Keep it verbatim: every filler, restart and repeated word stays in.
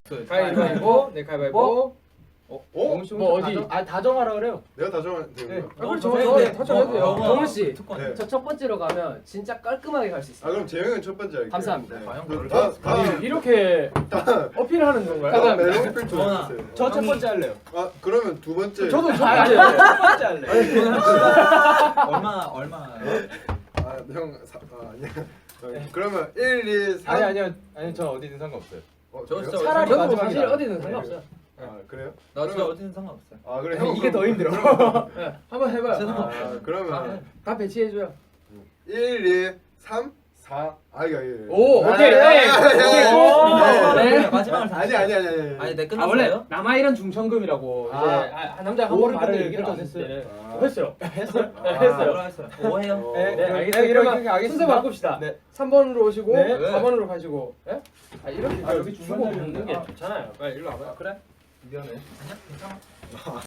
가위바위보. 네 가위바위보. 어? 뭐, 뭐 어디? 아 다정하라 그래요. 내가 다 정하면 되는 네. 거야? 아 그럼 저 저 타정해도 돼요. 정훈 씨, 네. 저 첫 번째로 가면 진짜 깔끔하게 갈 수 아 있어요. 그럼 재영은 첫 번째 할게요. 감사합니다. 네. 과연 그 그럴까? 다- 다음 이렇게 어필하는 건가요? 다음 메론 필터 정원아. 해주세요. 저 첫 번째 할래요. 아 그러면 두 번째. 저도 저 아니 아니 아니 첫 번째 할래. 얼마 얼마 아형 아, 아니야. 어, 그러면 일, 이, 삼. 아니 아니요 아니 저 어디든 상관없어요. 어, 저 그래요? 진짜 차라리 저도 마지막이다. 사실 어디든 상관없어요. 아 그래요? 나 진짜 그러면- 어디든 상관없어요. 아 그래 형 이게 그럼- 더 힘들어. 네, 한번 해봐요. 아 그러면 다 배치해줘요. 일, 이, 삼, 사. 아 이거 이거. 오 아, 오케이. 아, 네. 아, 아, 아, 아, 아, 네. 그냥 마지막을 다 아니 아니 아니 아니. 아니 내 아 끝났어요? 원래 남아일은 중천금이라고 아. 이제 아, 남자가 한 번 말을 얘기를 안 했어요. 아. 했어요. 했어요. 아. 했어요. 했어요. 오해요. 어. 네, 네, 네, 알겠습니다. 이렇게 그러면 하겠습니다. 순서 바꿉시다. 네. 삼 번으로 오시고 네. 사 번으로 가시고. 예? 아 이렇게 아, 여기 여기 주고 중간에 붙는 게 있는데. 좋잖아요. 빨리 일로 와봐요. 그래? 미안해. 아니야 괜찮아.